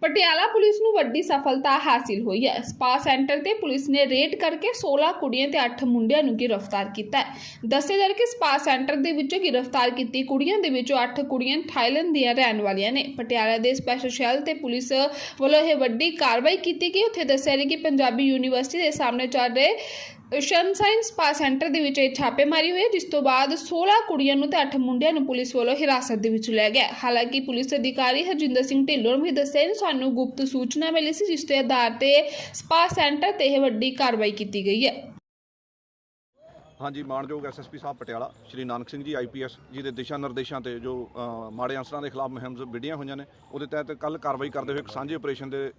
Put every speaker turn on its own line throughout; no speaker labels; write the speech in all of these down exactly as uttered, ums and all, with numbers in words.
Patiala police ਨੂੰ ਵੱਡੀ ਸਫਲਤਾ ਹਾਸਿਲ ਹੋਈ ਹੈ। ਸਪਾ ਸੈਂਟਰ ਤੇ ਪੁਲਿਸ ਨੇ ਰੇਡ ਕਰਕੇ ਸੋਲਾਂ ਕੁੜੀਆਂ ਤੇ ਅੱਠ ਮੁੰਡਿਆਂ ਨੂੰ ਗ੍ਰਿਫਤਾਰ ਕੀਤਾ ਹੈ। ਦੱਸਿਆ ਜਾ ਰਿਹਾ ਕਿ ਸਪਾ ਸੈਂਟਰ ਦੇ ਵਿੱਚੋਂ ਗ੍ਰਿਫਤਾਰ ਕੀਤੀ ਕੁੜੀਆਂ ਦੇ ਵਿੱਚੋਂ ਅੱਠ ਕੁੜੀਆਂ ਥਾਈਲੈਂਡ ਦੀਆਂ ਰਹਿਣ ਵਾਲੀਆਂ ਨੇ। ਪਟਿਆਲਾ ਦੇ ਸਪੈਸ਼ਲ ਸ਼ੈਲ ਤੇ ਪੁਲਿਸ ਵੱਲੋਂ ਇਹ ਵੱਡੀ ਕਾਰਵਾਈ ਕੀਤੀ ਗਈ। ਉੱਥੇ ਦੱਸਿਆ ਗਿਆ ਕਿ ਪੰਜਾਬੀ ਯੂਨੀਵਰਸਿਟੀ ਦੇ ਸਾਹਮਣੇ ਚੱਲ ਰਹੇ ਸ਼ਨਸ਼ਾਈਨ ਸਪਾ ਸੈਂਟਰ ਦੇ ਵਿੱਚ ਇਹ ਛਾਪੇਮਾਰੀ ਹੋਈ, ਜਿਸ ਤੋਂ ਬਾਅਦ ਸੋਲਾਂ ਕੁੜੀਆਂ ਨੂੰ ਤੇ ਅੱਠ ਮੁੰਡਿਆਂ ਨੂੰ ਪੁਲਿਸ ਵੱਲੋਂ ਹਿਰਾਸਤ ਦੇ ਵਿੱਚ ਲਿਆ ਗਿਆ। ਹਾਲਾਂਕਿ ਪੁਲਿਸ ਅਧਿਕਾਰੀ ਹਰਜਿੰਦਰ ਸਿੰਘ ਢਿੱਲੋਂ ਨੇ ਵੀ ਦੱਸਿਆ ਕਿ ਸਾਨੂੰ ਗੁਪਤ ਸੂਚਨਾ ਮਿਲੀ ਸੀ, ਜਿਸ ਦੇ ਆਧਾਰ ਤੇ ਸਪਾ ਸੈਂਟਰ ਤੇ ਇਹ ਵੱਡੀ ਕਾਰਵਾਈ ਕੀਤੀ ਗਈ ਹੈ।
हाँ जी, मानयोग एस एस पी साहब Patiala Shri Nanak Singh ji I P S ji के दिशा निर्देशों से जो माड़े अंसरां के खिलाफ मुहिम विढ़ियां हुई ने, उहदे तहत कल कार्रवाई करते हुए एक सांझे ऑपरेशन के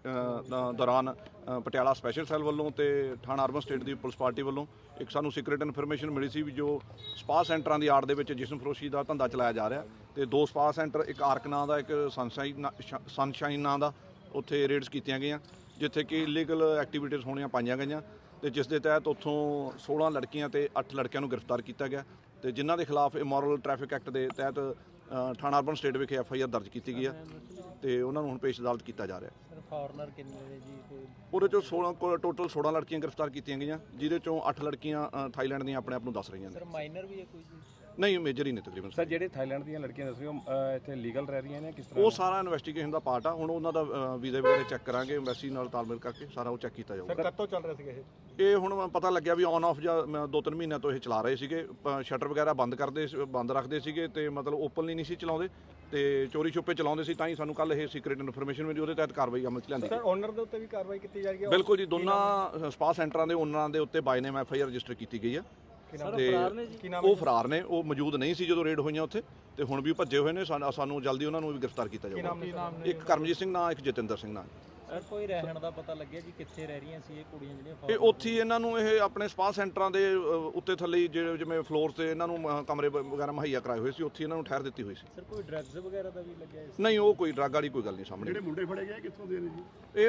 दौरान पटियाला स्पैशल सैल वालों तो थाना अर्बन स्टेट की पुलिस पार्टी वालों एक सानू सीक्रेट इन्फॉर्मेशन मिली सी भी जो स्पा सेंटरां की आड़ दे विच जिस्म फरोशी का धंधा चलाया जा रहा तो दो स्पा सेंटर, एक आर्क नां दा, एक सनशाइन सनशाइन नां दा, उत्थे रेड्स कीतियां गईयां जिथे कि इलीगल एक्टिविटीज़ होणियां पाईयां गईयां ਤੇ जिस के तहत उत्थों सोलह लड़कियां ते अठ लड़कियां नूं गिरफ्तार किया गया तो जिन्हां के खिलाफ इमोरल ट्रैफिक एक्ट के तहत थाना अर्बन स्टेट विखे एफ आई आर दर्ज की गई है तो उन्होंने हुण पेश अदालत किया जा रहा है।
फॉरनर किन्ने ने जी?
ਉਹਦੇ ਚੋਂ सोलह टोटल सोलह लड़कियां गिरफ्तार की गई, जिहदे चों अठ लड़कियां थाईलैंड ਦੀਆਂ ਆਪਣੇ ਆਪ ਨੂੰ ਦੱਸ ਰਹੀਆਂ ਨੇ।
सर माइनर भी है कोई जी?
नहीं, मेजर ही ने तकरीबन।
सर ਜਿਹੜੇ थाईलैंड ਦੀਆਂ ਲੜਕੀਆਂ ਦੱਸ ਰਹੇ ਹੋ ਇੱਥੇ ਲੀਗਲ ਰਹਿ ਰਹੀਆਂ ਨੇ, ਕਿਸ
ਉਹ
ਤਰ੍ਹਾਂ?
ਸਾਰਾ ਇਨਵੈਸਟੀਗੇਸ਼ਨ ਦਾ ਪਾਰਟ ਆ। ਹੁਣ ਉਹਨਾਂ ਦਾ ਵੀਜ਼ੇ ਵਗੈਰਾ ਚੈੱਕ ਕਰਾਂਗੇ, ਐਮਬੈਸੀ ਨਾਲ ਤਾਲਮੇਲ ਕਰਕੇ ਸਾਰਾ ਉਹ ਚੈੱਕ ਕੀਤਾ ਜਾਊਗਾ।
ਸਰ ਕਦ ਤੋਂ ਚੱਲ ਰਿਹਾ ਸੀਗਾ ਇਹ?
ਇਹ ਹੁਣ ਪਤਾ ਲੱਗਿਆ ਵੀ ਔਨ ਆਫ ਜਾਂ ਦੋ ਤਿੰਨ ਮਹੀਨਿਆਂ ਤੋਂ ਇਹ ਚਲਾ ਰਹੇ ਸੀਗੇ। ਸ਼ਟਰ ਵਗੈਰਾ ਬੰਦ ਕਰਦੇ ਬੰਦ ਰੱਖਦੇ ਸੀਗੇ ਤੇ ਮਤਲਬ ਓਪਨਲੀ ਨਹੀਂ ਸੀ ਚਲਾਉਂਦੇ ਤੇ ਚੋਰੀ ਛੁਪੇ ਚਲਾਉਂਦੇ ਸੀ। ਤਾਂ ਹੀ ਸਾਨੂੰ ਕੱਲ ਇਹ ਸੀਕ੍ਰੀਟ ਇਨਫੋਰਮੇਸ਼ਨ ਮਿਲੀ, ਉਹਦੇ ਤਹਿਤ ਕਾਰਵਾਈ ਅਮਲ 'ਚ ਲਿਆਂਦੀ।
ਸਰ ਓਨਰ ਦੇ ਉੱਤੇ ਵੀ ਕਾਰਵਾਈ ਕੀਤੀ ਜਾ ਰਹੀ ਹੈ?
ਬਿਲਕੁਲ ਜੀ, ਦੋਨਾਂ ਸਪਾ ਸੈਂਟਰਾਂ ਦੇ ਓਨਰਾਂ ਦੇ ਉੱਤੇ by name F I R register ਕੀਤੀ ਗਈ ਆ ਤੇ ਉਹ ਫਰਾਰ ਨੇ, ਉਹ ਮੌਜੂਦ ਨਹੀਂ ਸੀ ਜਦੋਂ ਰੇਡ ਹੋਈਆਂ ਉੱਥੇ ਤੇ ਹੁਣ ਵੀ ਭੱਜੇ ਹੋਏ ਨੇ। ਸਾਨੂੰ ਜਲਦੀ ਉਹਨਾਂ ਨੂੰ ਵੀ ਗ੍ਰਿਫਤਾਰ ਕੀਤਾ ਜਾਊਗਾ। ਇੱਕ ਕਰਮਜੀਤ ਸਿੰਘ ਨਾਂ, ਇੱਕ ਜਤਿੰਦਰ ਸਿੰਘ ਨਾਂ।
ਸਰ ਕੋਈ ਰਹਿਣ ਦਾ ਪਤਾ ਲੱਗਿਆ ਜੀ ਕਿੱਥੇ ਰਹਿ ਰਹੀਆਂ ਸੀ ਇਹ ਕੁੜੀਆਂ ਜਿਹੜੀਆਂ?
ਇਹ ਉੱਥੇ ਹੀ ਇਹਨਾਂ ਨੂੰ ਇਹ ਆਪਣੇ ਸਪਾ ਸੈਂਟਰਾਂ ਦੇ ਉੱਤੇ ਥੱਲੇ ਜਿਹੜੇ ਜਿਵੇਂ ਫਲੋਰ ਤੇ ਇਹਨਾਂ ਨੂੰ ਕਮਰੇ ਵਗੈਰਾ ਮੁਹੱਈਆ ਕਰਾਏ ਹੋਏ ਸੀ, ਉੱਥੇ ਇਹਨਾਂ ਨੂੰ ਠਹਿਰ ਦਿੱਤੀ ਹੋਈ ਸੀ।
ਸਰ ਕੋਈ ਡਰੱਗਸ ਵਗੈਰਾ ਦਾ ਵੀ ਲੱਗਿਆ ਇਸ?
ਨਹੀਂ, ਉਹ ਕੋਈ ਡਰੱਗ ਵਾਲੀ ਕੋਈ ਗੱਲ ਨਹੀਂ ਸਾਹਮਣੇ।
ਜਿਹੜੇ ਮੁੰਡੇ ਫੜੇ ਗਏ ਕਿੱਥੋਂ ਦੇ ਨੇ ਜੀ?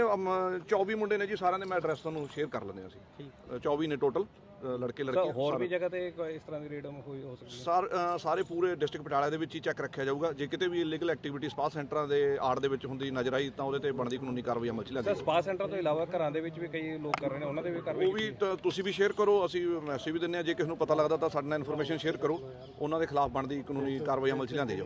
ਇਹ ਚੌਵੀ ਮੁੰਡੇ ਨੇ ਜੀ, ਸਾਰਿਆਂ ਦੇ ਮੈਂ ਐਡਰੈਸ ਤੁਹਾਨੂੰ ਸ਼ੇਅਰ ਕਰ ਲੈਂਦੇ ਅਸੀਂ। ਚੌਵੀ ਨੇ ਟੋਟਲ ਲੜਕੇ ਲੜਕੀਆਂ।
ਹੋਰ ਵੀ ਜਗ੍ਹਾ ਤੇ ਇਸ ਤਰ੍ਹਾਂ ਦੀ ਰੇਡ ਹੋਈ ਹੋ ਸਕਦੀ ਹੈ?
ਸਾਰ ਸਾਰੇ ਪੂਰੇ ਡਿਸਟ੍ਰਿਕਟ ਪਟਿਆਲਾ ਦੇ ਵਿੱਚ ਹੀ ਚੈੱਕ ਰੱਖਿਆ ਜਾਊਗਾ। ਜੇ ਕਿਤੇ ਵੀ ਇਲੀਗਲ ਐਕਟੀਵਿਟੀ ਸਪਾ ਸੈਂਟਰਾਂ ਦੇ ਆੜ ਦੇ ਵਿੱਚ ਹੁੰਦੀ ਨਜ਼ਰ ਆਈ ਤਾਂ ਉਹਦੇ ਤੇ ਬਣਦੀ ਕਾਨੂੰਨੀ ਕਾਰਵਾਈ ਅਮਲ 'ਚ ਲਿਆਂਦੀ।
ਸਰ ਸਪਾ ਸੈਂਟਰ ਤੋਂ ਇਲਾਵਾ ਘਰਾਂ ਦੇ ਵਿੱਚ ਵੀ ਕਈ ਲੋਕ ਕਰ ਰਹੇ ਨੇ, ਉਹਨਾਂ ਦੇ ਵੀ ਕਾਰਵਾਈ?
ਉਹ ਵੀ ਤੁਸੀਂ ਵੀ ਸ਼ੇਅਰ ਕਰੋ, ਅਸੀਂ ਮੈਸੇਜ ਵੀ ਦਿੰਦੇ ਹਾਂ। ਜੇ ਕਿਸੇ ਨੂੰ ਪਤਾ ਲੱਗਦਾ ਤਾਂ ਸਾਡੇ ਨਾਲ ਇਨਫੋਰਮੇਸ਼ਨ ਸ਼ੇਅਰ ਕਰੋ, ਉਹਨਾਂ ਦੇ ਖਿਲਾਫ ਬਣਦੀ ਕਾਨੂੰਨੀ ਕਾਰਵਾਈ ਅਮਲ 'ਚ ਲਿਆਂਦੀ ਜਾਊ।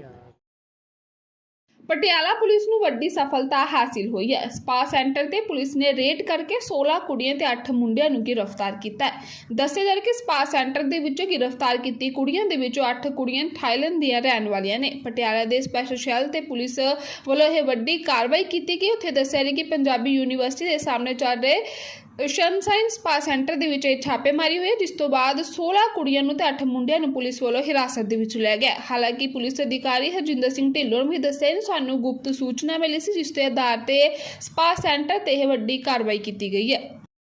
ਪਟਿਆਲਾ ਪੁਲਿਸ ਨੂੰ ਵੱਡੀ ਸਫਲਤਾ ਹਾਸਿਲ ਹੋਈ ਹੈ। ਸਪਾ ਸੈਂਟਰ ਤੇ ਪੁਲਿਸ ਨੇ ਰੇਡ ਕਰਕੇ ਸੋਲਾਂ ਕੁੜੀਆਂ ਤੇ ਅੱਠ ਮੁੰਡਿਆਂ ਨੂੰ ਗ੍ਰਿਫਤਾਰ ਕੀਤਾ ਹੈ। ਦੱਸਿਆ ਜਾ ਰਿਹਾ ਕਿ ਸਪਾ ਸੈਂਟਰ ਦੇ ਵਿੱਚੋਂ ਗ੍ਰਿਫਤਾਰ ਕੀਤੀ ਕੁੜੀਆਂ ਦੇ ਵਿੱਚੋਂ ਅੱਠ ਕੁੜੀਆਂ ਥਾਈਲੈਂਡ ਦੀਆਂ ਰਹਿਣ ਵਾਲੀਆਂ ਨੇ। ਪਟਿਆਲਾ ਦੇ ਸਪੈਸ਼ਲ ਸ਼ੈਲ ਤੇ ਪੁਲਿਸ ਵੱਲੋਂ ਇਹ ਵੱਡੀ ਕਾਰਵਾਈ ਕੀਤੀ ਗਈ। ਉੱਥੇ ਦੱਸਿਆ ਗਿਆ ਕਿ ਪੰਜਾਬੀ ਯੂਨੀਵਰਸਿਟੀ ਦੇ ਸਾਹਮਣੇ ਚੱਲ ਰਹੇ ਸ਼ਨਸ਼ਾਈਨ ਸਪਾ ਸੈਂਟਰ ਦੇ ਵਿੱਚ ਇਹ ਛਾਪੇਮਾਰੀ ਹੋਈ, ਜਿਸ ਤੋਂ ਬਾਅਦ ਸੋਲਾਂ ਕੁੜੀਆਂ ਨੂੰ ਤੇ ਅੱਠ ਮੁੰਡਿਆਂ ਨੂੰ ਪੁਲਿਸ ਵੱਲੋਂ ਹਿਰਾਸਤ ਦੇ ਵਿੱਚ ਲਿਆ ਗਿਆ। ਹਾਲਾਂਕਿ ਪੁਲਿਸ ਅਧਿਕਾਰੀ ਹਰਜਿੰਦਰ ਸਿੰਘ ਢਿੱਲੋਂ ਨੇ ਵੀ ਦੱਸਿਆ ਕਿ ਸਾਨੂੰ ਗੁਪਤ ਸੂਚਨਾ ਮਿਲੀ ਸੀ, ਜਿਸ ਦੇ ਆਧਾਰ ਤੇ ਸਪਾ ਸੈਂਟਰ ਤੇ ਇਹ ਵੱਡੀ ਕਾਰਵਾਈ ਕੀਤੀ ਗਈ ਹੈ।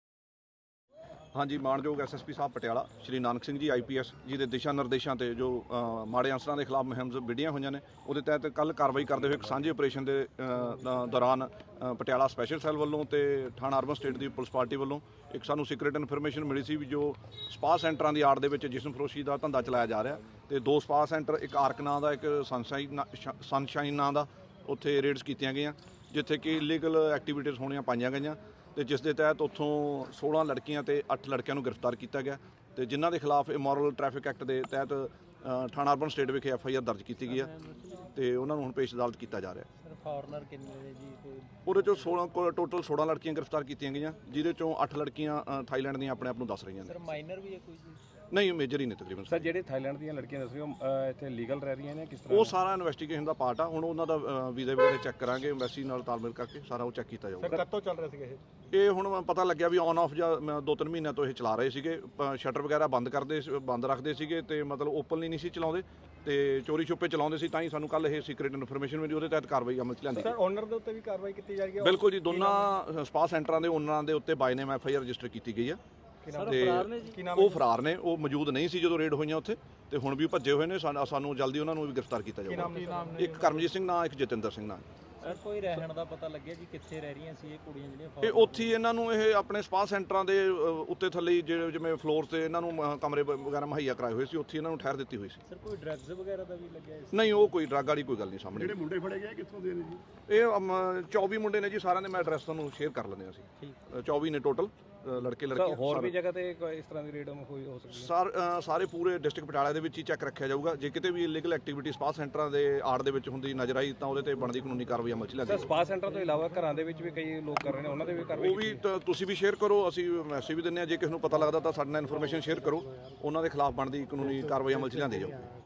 हाँ जी, मानयोग एस एस पी साहब Patiala Shri Nanak Singh ji I P S ji के दिशा निर्देशों से जो माड़े अंसरां के खिलाफ मुहिम विढ़ियां हुई ने, उहदे तहत कल कार्रवाई करते हुए एक सांझे ऑपरेशन के दौरान पटियाला स्पैशल सैल वालों तो थाना अर्बन स्टेट की पुलिस पार्टी वालों एक सानू सीक्रेट इन्फॉर्मेशन मिली सी भी जो स्पा सेंटरां की आड़ दे विच जिस्म फरोशी का धंधा चलाया जा रहा तो दो स्पा सेंटर, एक आर्क नां दा, एक सनशाइन सनशाइन नां दा, उत्थे रेड्स कीतियां गईयां जिथे कि इलीगल एक्टिविटीज़ होणियां पाईयां गईयां तो जिस के तहत उत्थों सोलह लड़कियां ते अठ लड़कियां गिरफ्तार किया गया तो जिन्हां के खिलाफ इमोरल ट्रैफिक एक्ट के तहत थाना अर्बन स्टेट विखे एफ आई आर दर्ज की गई है तो उन्होंने हुण पेश अदालत किया जा रहा है।
सर फॉरनर किन्ने ने जी?
ਉਹਦੇ ਚੋਂ सोलह टोटल सोलह लड़कियां गिरफ्तार की गई, जिहदे चों अठ लड़कियां थाईलैंड ਦੀਆਂ ਆਪਣੇ ਆਪ ਨੂੰ ਦੱਸ ਰਹੀਆਂ ਨੇ।
सर माइनर भी है कोई जी?
ਨਹੀਂ, ਮੇਜਰ ਹੀ ਨੇ ਤਕਰੀਬਨ।
ਸਰ ਜਿਹੜੇ ਥਾਈਲੈਂਡ ਦੀਆਂ ਲੜਕੀਆਂ ਦੱਸ ਰਹੇ ਹੋ ਇੱਥੇ ਲੀਗਲ ਰਹਿ ਰਹੀਆਂ ਨੇ, ਕਿਸ ਤਰ੍ਹਾਂ?
ਉਹ ਸਾਰਾ ਇਨਵੈਸਟੀਗੇਸ਼ਨ ਦਾ ਪਾਰਟ ਆ। ਹੁਣ ਉਹਨਾਂ ਦਾ ਵੀਜ਼ੇ ਵਗੈਰਾ ਚੈੱਕ ਕਰਾਂਗੇ, ਐਮਬੈਸੀ ਨਾਲ ਤਾਲਮੇਲ ਕਰਕੇ ਸਾਰਾ ਉਹ ਚੈੱਕ ਕੀਤਾ ਜਾਊਗਾ।
ਸਰ ਕਦ ਤੋਂ ਚੱਲ ਰਿਹਾ ਸੀਗਾ ਇਹ?
ਇਹ ਹੁਣ ਪਤਾ ਲੱਗਿਆ ਵੀ ਔਨ ਆਫ ਜਾਂ ਦੋ ਤਿੰਨ ਮਹੀਨਿਆਂ ਤੋਂ ਇਹ ਚਲਾ ਰਹੇ ਸੀਗੇ। ਸ਼ਟਰ ਵਗੈਰਾ ਬੰਦ ਕਰਦੇ ਬੰਦ ਰੱਖਦੇ ਸੀਗੇ ਤੇ ਮਤਲਬ ਓਪਨਲੀ ਨਹੀਂ ਸੀ ਚਲਾਉਂਦੇ ਤੇ ਚੋਰੀ ਛੁਪੇ ਚਲਾਉਂਦੇ ਸੀ। ਤਾਂ ਹੀ ਸਾਨੂੰ ਕੱਲ ਇਹ ਸੀਕ੍ਰੀਟ ਇਨਫੋਰਮੇਸ਼ਨ ਮਿਲੀ, ਉਹਦੇ ਤਹਿਤ ਕਾਰਵਾਈ ਅਮਲ 'ਚ ਲਿਆਂਦੀ।
ਸਰ ਓਨਰ ਦੇ ਉੱਤੇ ਵੀ ਕਾਰਵਾਈ ਕੀਤੀ ਜਾ ਰਹੀ ਹੈ?
ਬਿਲਕੁਲ ਜੀ, ਦੋਨਾਂ ਸਪਾ ਸੈਂਟਰਾਂ ਦੇ ਓਨਰਾਂ ਦੇ ਉੱਤੇ by name F I R register ਕੀਤੀ ਗਈ ਆ ਤੇ ਉਹ ਫਰਾਰ ਨੇ, ਉਹ ਮੌਜੂਦ ਨਹੀਂ ਸੀ ਜਦੋਂ ਰੇਡ ਹੋਈਆਂ ਉੱਥੇ ਤੇ ਹੁਣ ਵੀ ਭੱਜੇ ਹੋਏ ਨੇ। ਸਾਨੂੰ ਜਲਦੀ ਉਹਨਾਂ ਨੂੰ ਵੀ ਗ੍ਰਿਫਤਾਰ ਕੀਤਾ ਜਾਊਗਾ। ਇੱਕ ਕਰਮਜੀਤ ਸਿੰਘ ਨਾਂ, ਇੱਕ ਜਤਿੰਦਰ ਸਿੰਘ ਨਾਂ।
ਸਰ ਕੋਈ ਰਹਿਣ ਦਾ ਪਤਾ ਲੱਗਿਆ ਜੀ ਕਿੱਥੇ ਰਹਿ ਰਹੀਆਂ ਸੀ ਇਹ ਕੁੜੀਆਂ ਜਿਹੜੀਆਂ
ਇਹ ਉੱਥੇ ਹੀ ਇਹਨਾਂ ਨੂੰ ਇਹ ਆਪਣੇ ਸਪਾ ਸੈਂਟਰਾਂ ਦੇ ਅ, ਉੱਤੇ ਥੱਲੇ ਹੀ ਜਿਹੜੇ ਜਿਵੇਂ ਫਲੋਰ ਤੇ ਇਹਨਾਂ ਨੂੰ ਅ, ਕਮਰੇ ਵ- ਵਗੈਰਾ ਮੁਹੱਈਆ ਕਰਾਏ ਹੋਏ ਸੀ, ਉੱਥੇ ਇਹਨਾਂ ਨੂੰ ਠਹਿਰ ਦਿੱਤੀ ਹੋਈ ਸੀ।
ਸਰ ਕੋਈ ਡਰੱਗਸ ਵਗੈਰਾ ਦਾ ਵੀ ਲੱਗਿਆ ਇਸ
ਨਹੀਂ, ਉਹ ਕੋਈ ਡਰੱਗ ਵਾਲੀ ਕੋਈ ਗੱਲ ਨਹੀਂ ਸਾਹਮਣੇ।
ਜਿਹੜੇ ਮੁੰਡੇ ਫੜੇ ਗਏ ਕਿੱਥੋਂ ਦੇ ਨੇ ਜੀ?
ਇਹ ਅਮ, ਚੌਵੀ ਮੁੰਡੇ ਨੇ ਜੀ, ਸਾਰਿਆਂ ਦੇ ਮੈਂ ਐਡਰੈਸ ਤੁਹਾਨੂੰ ਸ਼ੇਅਰ ਕਰ ਲੈਂਦੇ ਹਾਂ ਅਸੀਂ।
ਠੀਕ
ਅ, ਚੌਵੀ ਨੇ ਟੋਟਲ ਲੜਕੇ ਲੜਕੀਆਂ।
ਹੋਰ ਵੀ
ਸਾਰੇ-
ਜਗ੍ਹਾ ਤੇ ਕੋਈ ਇਸ ਤਰ੍ਹਾਂ ਦੀ ਰੇਡ ਹੋਈ ਹੋ ਸਕਦੀ ਹੈ?
ਸਾਰ ਅ, ਸਾਰੇ ਪੂਰੇ ਡਿਸਟ੍ਰਿਕਟ ਪਟਿਆਲਾ ਦੇ ਵਿੱਚ ਹੀ ਚੈੱਕ ਰੱਖਿਆ ਜਾਊਗਾ। ਜੇ ਕਿਤੇ ਵੀ ਇਲੀਗਲ ਐਕਟੀਵਿਟੀ ਸਪਾ ਸੈਂਟਰਾਂ ਦੇ ਆੜ ਦੇ ਵਿੱਚ ਹੁੰਦੀ ਨਜ਼ਰ ਆਈ ਤਾਂ ਉਹਦੇ ਤੇ ਬਣਦੀ ਕਾਨੂੰਨੀ ਕਾਰਵਾਈ ਅਮਲ 'ਚ ਲਿਆਂਦੀ
ਸਰ ਸਪਾ ਸੈਂਟਰ ਤੋਂ ਇਲਾਵਾ ਘਰਾਂ ਦੇ ਵਿੱਚ ਵੀ ਕਈ ਲੋਕ ਕਰ ਰਹੇ ਨੇ, ਉਹਨਾਂ ਦੇ ਵੀ ਕਾਰਵਾਈ
ਉਹ ਵੀ ਤਾਂ ਤੁਸੀਂ ਵੀ ਸ਼ੇਅਰ ਕਰੋ, ਅਸੀਂ ਮੈਸੇਜ ਵੀ ਦਿੰਦੇ ਹਾਂ। ਜੇ ਕਿਸੇ ਨੂੰ ਪਤਾ ਲੱਗਦਾ ਤਾਂ ਸਾਡੇ ਨਾਲ ਇਨਫੋਰਮੇਸ਼ਨ ਸ਼ੇਅਰ ਕਰੋ, ਉਹਨਾਂ ਦੇ ਖਿਲਾਫ ਬਣਦੀ ਕਾਨੂੰਨੀ ਕਾਰਵਾਈ ਅਮਲ 'ਚ ਲਿਆਂਦੀ ਜਾਊ।